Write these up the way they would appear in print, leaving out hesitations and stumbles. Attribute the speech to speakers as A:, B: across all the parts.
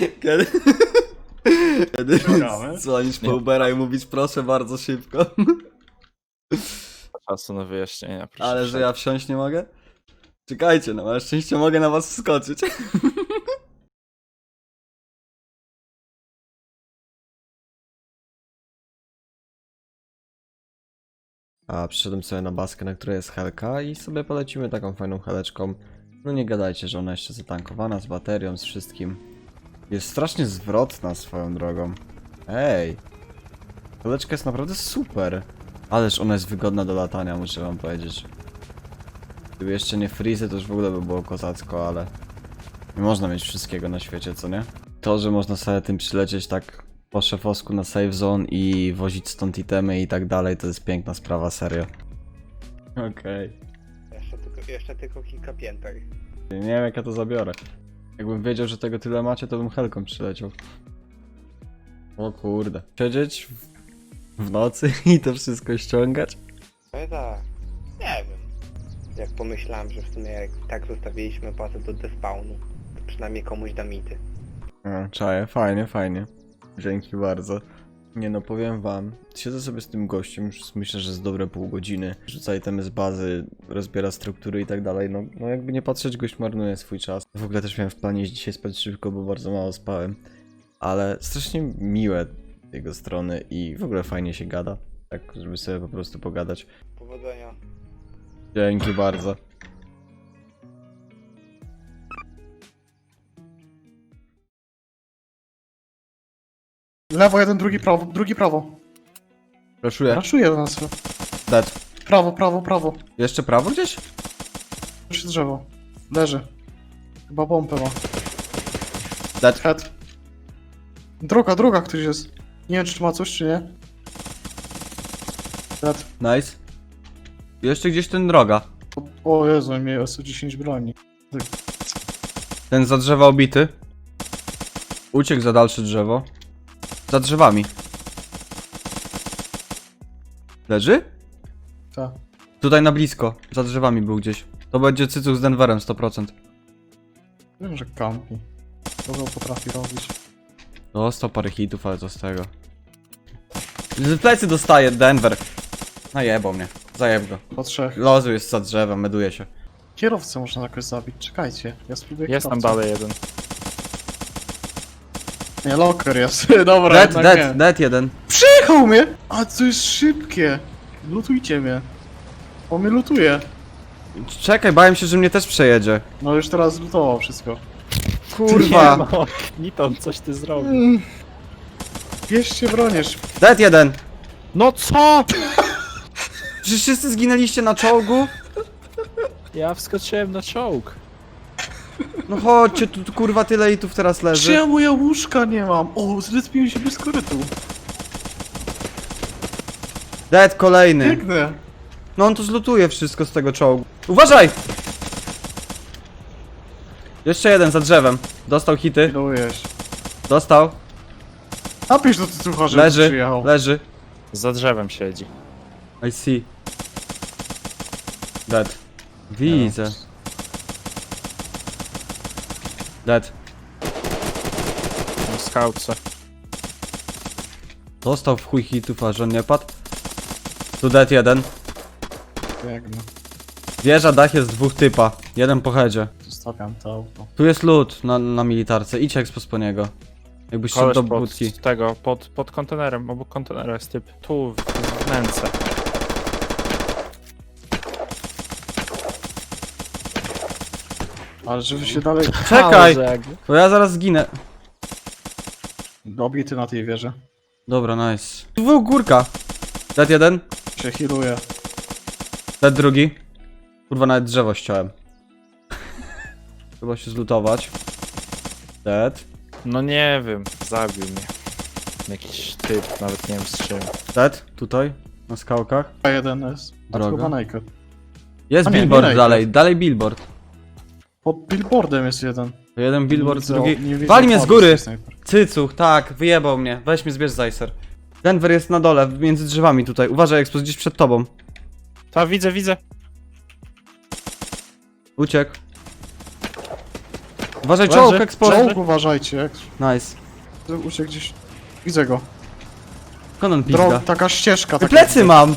A: Kiedy
B: Gramy?
A: dzwonisz po Ubera i mówisz proszę bardzo szybko.
C: Czasu na wyjaśnienia, proszę.
A: Ale że ja wsiąść nie mogę? Czekajcie, no na szczęście mogę na was wskoczyć. A przyszedłem sobie na baskę, na której jest helka i sobie polecimy taką fajną heleczką. No nie gadajcie, że ona jeszcze zatankowana z baterią, z wszystkim. Jest strasznie zwrotna swoją drogą. Ej! Heleczka jest naprawdę super. Ależ ona jest wygodna do latania, muszę wam powiedzieć. Gdyby jeszcze nie frizy, to już w ogóle by było kozacko, ale... Nie można mieć wszystkiego na świecie, co nie? To, że można sobie tym przylecieć tak po szefowsku na save zone i wozić stąd itemy i tak dalej, to jest piękna sprawa, serio. Okej.
D: Jeszcze tylko kilka pięter.
A: Nie wiem jak ja to zabiorę. Jakbym wiedział, że tego tyle macie, to bym helką przyleciał. O kurde. Siedzieć w nocy i to wszystko ściągać?
D: Tak, nie wiem. Jak pomyślałem, że w sumie jak tak zostawiliśmy bazę do despawnu, to przynajmniej komuś da mity.
A: Czaję, fajnie, fajnie. Dzięki bardzo. Nie no, powiem wam, siedzę sobie z tym gościem, już myślę, że z dobre pół godziny. Rzuca itemy z bazy, rozbiera struktury i tak dalej. No jakby nie patrzeć, gość marnuje swój czas. W ogóle też miałem w planie dzisiaj spać szybko, bo bardzo mało spałem. Ale strasznie miłe z jego strony i w ogóle fajnie się gada. Tak, żeby sobie po prostu pogadać.
D: Powodzenia.
A: Dzięki bardzo.
B: Lewo jeden, drugi prawo.
A: Raszuję.
B: Raszuje do nas.
A: Dead.
B: Prawo.
A: Jeszcze prawo gdzieś?
B: Przy drzewo. Leży. Chyba pompę ma.
A: Dead.
B: Head. Druga ktoś jest. Nie wiem czy ma coś czy nie. Head.
A: Nice. Jeszcze gdzieś ten droga.
B: O Jezu, miał 110 broni.
A: Ten za drzewa obity. Uciekł za dalsze drzewo. Za drzewami. Leży?
B: Tak.
A: Tutaj na blisko. Za drzewami był gdzieś. To będzie cycuch z Denverem 100%.
B: Wiem, że kampi. Kogo potrafi robić.
A: Dostał parę hitów, ale co z tego. Z plecy dostaje Denver. Najebał mnie. Zajeb go.
B: Po trzech.
A: Lozu jest za drzewem, meduje się.
B: Kierowcę można jakoś zabić, czekajcie. Ja spróbuję
C: Jest tam
B: kierowcę.
C: dalej jeden.
B: Nie, locker jest. Dobra,
A: Dead,
B: jednak nie.
A: dead jeden.
B: Przyjechał mnie! A to jest szybkie. Lutujcie mnie. On mnie lutuje.
A: Czekaj, bałem się, że mnie też przejedzie.
B: No już teraz lutował wszystko.
A: Kurwa.
C: No, Niton, coś ty zrobił.
B: Bierzcie broniesz.
A: Dead jeden.
C: No co?
A: Czy wszyscy zginęliście na czołgu?
C: Ja wskoczyłem na czołg.
A: No chodźcie, tu kurwa tyle i tu teraz
B: Czy
A: leży.
B: ja moja łóżka nie mam? O, zrespiłem się bez korytu.
A: Dead kolejny.
B: Biegnę.
A: No on tu zlutuje wszystko z tego czołgu. Uważaj! Jeszcze jeden za drzewem. Dostał hity.
B: Pilujesz.
A: Dostał.
B: Napisz do tytuła, że
A: Leży.
B: przyjechał.
A: Leży.
C: Za drzewem siedzi.
A: I see. Dead. Widzę. Dead.
C: Na skautce.
A: Dostał w chuj hitów, a że on nie padł. Tu dead jeden.
B: Biegnę.
A: Wieża, dach jest dwóch typa. Jeden po headzie.
B: Zostawiam to auto.
A: Tu jest loot na militarce. Idź expo po niego. Jakbyś szedł
C: Koleś
A: do
C: pod
A: budki.
C: tego, pod kontenerem, obok kontenera jest typ. Tu, w wnęce.
B: Ale żeby się dalej...
A: Czekaj!
C: Ale jakby.
A: To ja zaraz zginę.
B: Dobity na tej wieży.
A: Dobra, nice. Dwóch górka. Dead jeden.
B: Się healuje.
A: Dead drugi. Kurwa, nawet drzewo ściąłem. Trzeba się zlutować. Dead.
C: No nie wiem, zabił mnie. Jakiś typ, nawet nie wiem z czym.
A: Dead. Tutaj. Na skałkach.
B: A jeden jest. A
A: Droga.
B: chyba naked.
A: Jest
B: A nie,
A: billboard
B: nie
A: dalej. Dalej billboard.
B: Pod billboardem jest jeden.
A: To jeden billboard,
B: Nie widzę-
A: drugi.
B: nie widzę
A: Wali mnie z
B: opadów
A: góry!
B: z tej snajper.
A: Cycuch, tak, wyjebał mnie. Weź mnie, zbierz Zajser. Denver jest na dole, między drzewami tutaj. Uważaj, Expo, gdzieś przed tobą.
C: Ta, widzę.
A: Uciekł. Uważaj,
C: Leży.
A: czołg, eksport!
B: Czołg uważajcie, jak
A: Nice.
B: uciekł gdzieś. Widzę go.
A: Konon pizda.
B: Taka ścieżka. taka-
A: Plecy mam!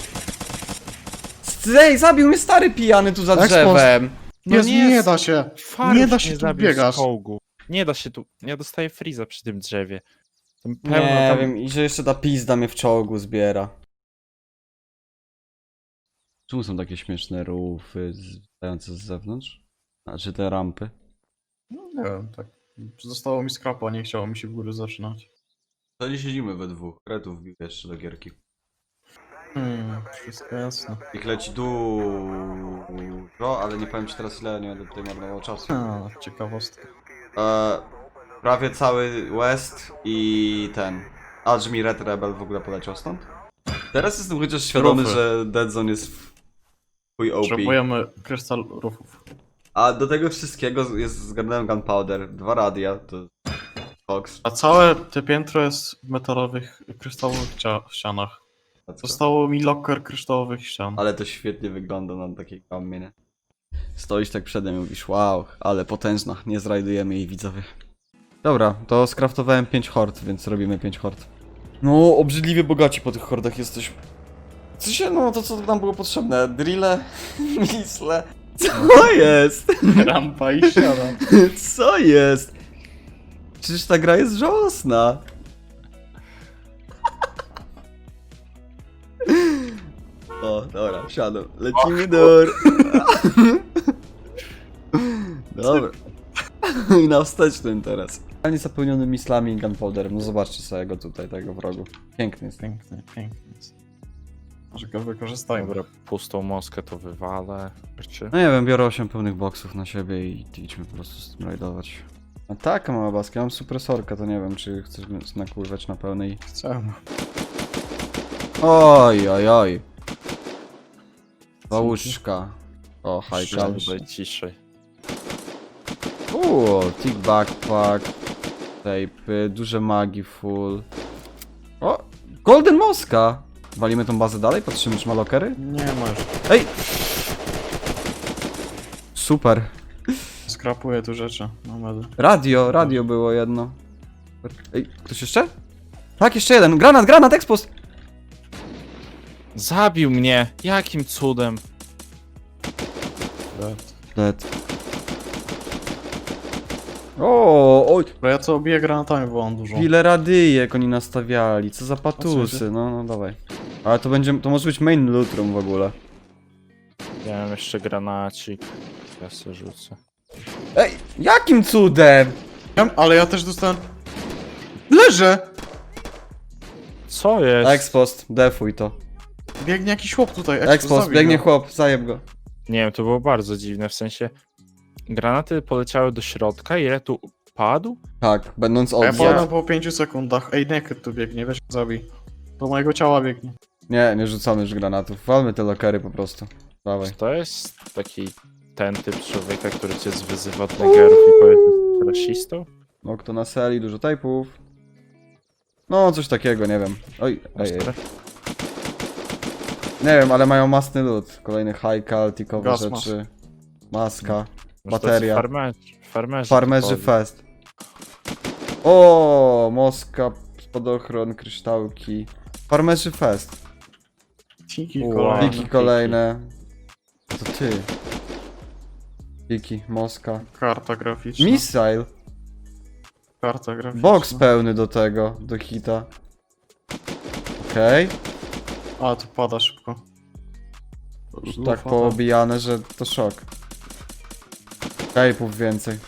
A: Ej, zabił mnie stary pijany tu za
B: Ekspos.
A: drzewem.
B: Nie,
C: No nie,
B: nie da się.
C: Farów
B: Nie da się tu
C: zabił
B: biegać.
C: z czołgu. Nie da się tu. Ja dostaję freeza przy tym drzewie. Tam
A: Nie
C: pełno tam...
A: wiem, i że jeszcze ta pizda mnie w czołgu zbiera. Czemu są takie śmieszne rufy stojące z zewnątrz? Znaczy te rampy?
B: No, nie wiem, tak. Zostało mi skrapa, nie chciało mi się w górę zaczynać.
A: To nie siedzimy we dwóch. Kretów wbił jeszcze do gierki.
B: Wszystko jasne.
A: Ich leci dużo, ale nie powiem ci teraz ile, nie będę tutaj marnował czasu.
B: Ciekawostka.
A: Prawie cały West i ten. Aż mi Red Rebel w ogóle poleciał stąd. Teraz jestem chociaż świadomy,
B: Rufy.
A: że Dead Zone jest chuj OP.
B: Potrzebujemy krystal rufów.
A: A do tego wszystkiego jest zgarnąłem Gunpowder, 2 radia, to Fox.
B: A całe te piętro jest w metalowych, kryształowych ścianach. Zostało mi locker kryształowych ścian.
A: Ale to świetnie wygląda na takiej kamie, nie? Stoisz tak przede mną i mówisz, wow, ale potężna, nie zrajdujemy jej, widzowie. Dobra, to skraftowałem 5 hord, więc robimy 5 hord. No, obrzydliwie bogaci po tych hordach jesteśmy. W sensie, no to co nam było potrzebne? Drille? Misle? Co jest?
B: Rampa i ściana.
A: Co jest? Przecież ta gra jest żałosna. O, dobra, wsiadam. Lecimy door. Dobra. I na wstecznym teraz. Totalnie zapełniony mislami i gunpowderem. No zobaczcie sobie go tutaj, tego wrogu. Piękny jest.
B: Piękny, piękny. Może go wykorzystajmy.
C: Dobra, pustą moskę to wywalę. Czy...
A: No nie wiem, biorę 8 pełnych boksów na siebie i idźmy po prostu z tym rajdować. A taka mała baska, ja mam supresorkę, to nie wiem, czy chcesz mnie nakurwać na pełnej.
B: Chcę.
A: Oj, oj, oj. Łóżka. O, hajkal.
C: Żeby ciszej.
A: Tick backpack. Tape, duże magi full. O, golden moska. Walimy tą bazę dalej, patrzymy czy ma lokery.
B: Nie ma już.
A: Ej! Super.
B: Skrapuję tu rzeczy. No medy.
A: Radio było jedno. Ej, ktoś jeszcze? Tak, jeszcze jeden. Granat, expost!
C: Zabił mnie! Jakim cudem?
A: Dead. O, oj,
B: Bo ja to obiję granatami, bo mam dużo.
A: ile radyjek oni nastawiali, co za
B: co
A: patusy,
B: jest?
A: no dawaj. Ale to może być main loot room w ogóle.
C: Ja mam jeszcze granacik. Ja se rzucę.
A: Ej, jakim cudem?
B: Ale ja też dostałem... Leżę!
C: Co jest?
A: Expost, defuj to.
B: Biegnie jakiś chłop tutaj.
A: Expost,
B: zabij
A: biegnie
B: go.
A: chłop, zajeb go.
C: Nie wiem, to było bardzo dziwne, w sensie... Granaty poleciały do środka i ile tu padł?
A: Tak, będąc
B: A ja
A: od.
B: padam po 5 sekundach. Ej, Naked tu biegnie, weź go zabij. Do mojego ciała biegnie.
A: Nie rzucamy już granatów. Walmy te lokery po prostu. Dawaj.
C: Czy to jest taki ten typ człowieka, który cię wyzywa od negerów i powie, że jest rasistą?
A: No kto na seli, dużo typów. No, coś takiego, nie wiem. Oj, ej. Nie wiem, ale mają masny loot. Kolejny high tikowe
B: Gas mask.
A: rzeczy. Maska.
C: Może to
A: Bateria.
C: Farmerzy.
A: Farmerzy
C: typowi.
A: fest. O, moska, spadochron, kryształki. Farmerzy fest.
B: Tiki
C: Wow.
B: kolejne.
A: Piki kolejne. To ty. Piki, moska.
B: Karta graficzna.
A: Missile.
B: Karta graficzna.
A: Box pełny do tego, do hita. Okej.
B: A, tu pada szybko.
A: Już tak poobijane, że to szok. Tape'ów więcej.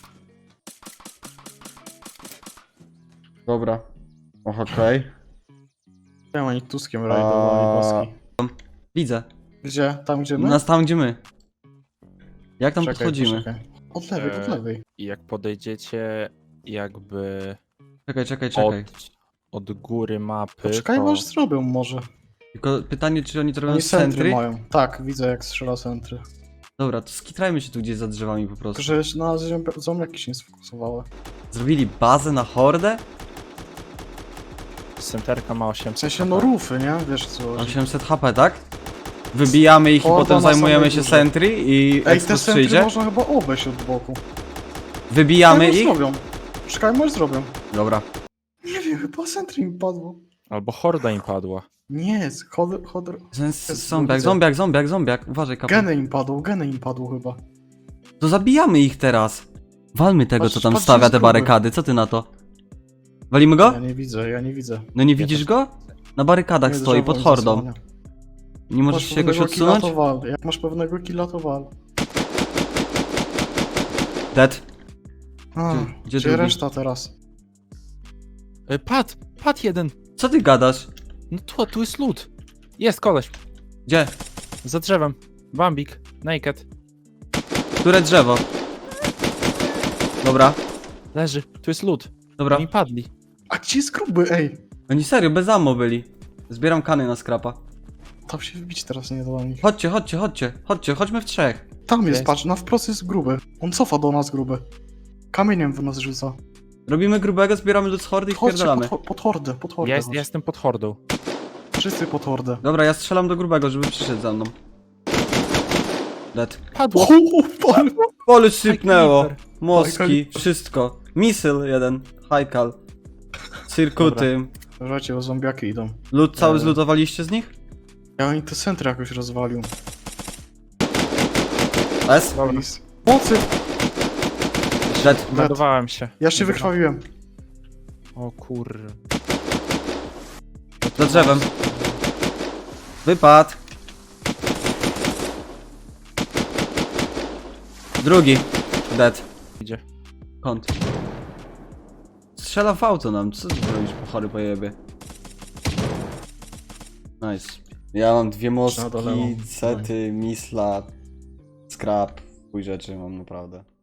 A: Dobra. Och, okej.
B: Ja oni Tuskiem rajdowali boski.
A: Widzę.
B: Gdzie? Tam gdzie my?
A: Nas tam gdzie my. Jak tam
B: Czekaj,
A: podchodzimy?
B: poczekaj. Od lewej, od lewej.
C: I jak podejdziecie jakby
A: Czekaj.
C: od góry mapy,
B: Poczekaj,
C: to...
B: może zrobią może.
A: Tylko pytanie, czy oni to robią
B: Oni
A: z
B: centry
A: centry?
B: mają. Tak, widzę jak strzela centry.
A: Dobra, to skitrajmy się tu gdzieś za drzewami po prostu.
B: Tylko, że na zombiaki się nie sfokusowały.
A: Zrobili bazę na hordę?
C: Centerka ma 800
B: W sensie no
C: HP.
B: rufy, nie? Wiesz co chodzi.
A: 800 HP, tak? Wybijamy ich i
B: Horda
A: potem
B: na
A: zajmujemy
B: samej
A: się
B: górze.
A: sentry i
B: Ej, te
A: Expo
B: centry
A: przyjdzie?
B: można chyba obejść od boku.
A: Wybijamy
B: może
A: ich?
B: zrobią. Czekaj, może zrobią.
A: Dobra.
B: Nie wiem, chyba centrum im padło.
C: Albo horda im padła.
B: Nie,
A: Zombiak. Uważaj, kapel.
B: geny im padło chyba.
A: To zabijamy ich teraz. Walmy tego,
B: Patrz,
A: co tam
B: patrz,
A: stawia
B: jest
A: te
B: gruby.
A: barykady. Co ty na to? Walimy go?
B: Ja nie widzę.
A: No nie widzisz go? Na barykadach
B: Nie,
A: stoi,
B: drzewo
A: pod
B: mi
A: hordą.
B: zasłania.
A: Nie możesz
B: Masz
A: się jakoś
B: pewnego killa,
A: odsunąć?
B: to wal. Jak masz pewnego killa, to wal.
A: Dead.
B: A,
A: Gdzie
B: gdzie
A: drugi?
B: reszta teraz?
C: Padł jeden.
A: Co ty gadasz?
C: No tu jest loot. Jest koleś.
A: Gdzie?
C: Za drzewem. Bambik. Naked.
A: Które drzewo? Dobra,
C: Leży. Tu jest loot.
A: dobra.
C: Oni padli.
B: A gdzie jest gruby, ej?
A: Oni serio, bez ammo byli. Zbieram kany na skrapa.
B: Tam się wbić teraz nie da do nich.
A: Chodźmy w trzech.
B: Tam jest,
C: Jest.
B: patrz, na wprost jest gruby. On cofa do nas gruby. Kamieniem w nas rzuca.
A: Robimy grubego, zbieramy do hordy i
B: Chodźcie
A: wpierdalamy.
B: pod hordę, pod hordę.
C: Ja
B: chodź.
C: jestem pod hordą.
B: Wszyscy pod hordę.
A: Dobra, ja strzelam do grubego, żeby przyszedł za mną. Dead.
C: Padło.
B: Pan.
A: Pole sypnęło.
C: Creeper.
A: Moski, wszystko. Misyl jeden. Hajkal. Cirkuty.
B: Słuchajcie, bo zombiaki idą.
A: Lód cały zlutowaliście z nich?
B: Ja oni te centry jakoś rozwalił.
A: S?
C: Dobra.
B: Mocy!
A: Dead.
C: Ładowałem się.
B: Ja się wykrwawiłem.
C: O kur...
A: Za drzewem. Wypad. Drugi. Dead.
C: Idzie.
A: Kąt. Strzela w auto nam. Co ty robisz, po chory pojebie? Nice. Ja mam dwie
B: Na dole
A: moski,
B: mam.
A: sety, misla, scrap. Chuj rzeczy mam naprawdę.